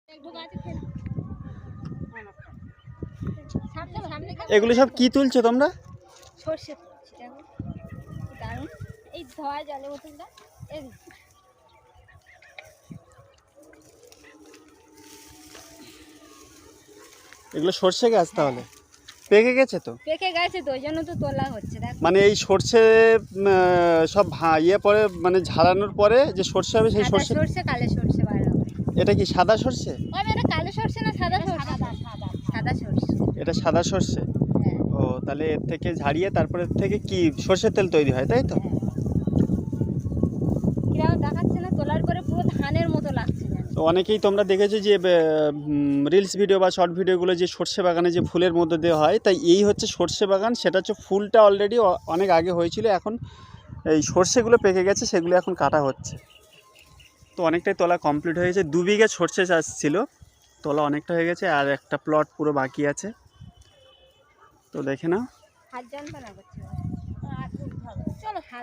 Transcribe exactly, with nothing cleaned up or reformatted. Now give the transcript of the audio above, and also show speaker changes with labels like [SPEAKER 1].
[SPEAKER 1] এগুলো সব কি তুলছো তোমরা?
[SPEAKER 2] সর্ষে তুলছি দেখো দারুণ। এই ধোয়া জলে বোতলটা এই
[SPEAKER 1] এগুলো সর্ষে গাছ তাহলে পেকে গেছে তো?
[SPEAKER 2] পেকে গেছে তো ওই জন্য তো তোলা হচ্ছে দেখো।
[SPEAKER 1] মানে এই সর্ষে উম, আহ, সব ভা ইয়ে পরে মানে ঝাড়ানোর পরে যে সর্ষে হবে সেই
[SPEAKER 2] সাদা
[SPEAKER 1] সর্ষে।
[SPEAKER 2] সর্ষে কালো সর্ষে বার হবে।
[SPEAKER 1] এটা কি সাদা সর্ষে?
[SPEAKER 2] ওই এটা কালো সর্ষে না সাদা সর্ষে? সাদা সর্ষে।
[SPEAKER 1] এটা সাদা সর্ষে।
[SPEAKER 2] হ্যাঁ
[SPEAKER 1] ও তাহলে এর থেকে ঝাড়িয়ে তারপরে এর থেকে কি সর্ষের তেল তৈরি হয় তাই তো?
[SPEAKER 2] কিরকম দেখাচ্ছে না তোলার পরে পুরো ধানের মতো লাগছে যেন।
[SPEAKER 1] তো অনেকেই তোমরা দেখেছো যে রিলস ভিডিও বা শর্ট ভিডিওগুলো যে সর্ষে বাগানে যে ফুলের মধ্যে দেওয়া হয়, তাই এই হচ্ছে সর্ষে বাগান। সেটা হচ্ছে ফুলটা অলরেডি অনেক আগে হয়েছিল, এখন এই সর্ষেগুলো পেকে গেছে, সেগুলো এখন কাটা হচ্ছে। তো অনেকটাই তোলা কমপ্লিট হয়েছে। দু বিঘা সর্ষে চাষ ছিল, তোলা অনেকটা হয়ে গেছে, আর একটা প্লট পুরো বাকি আছে। তো দেখে নাও।
[SPEAKER 2] হাত যন্ত্রণা করছে চলো।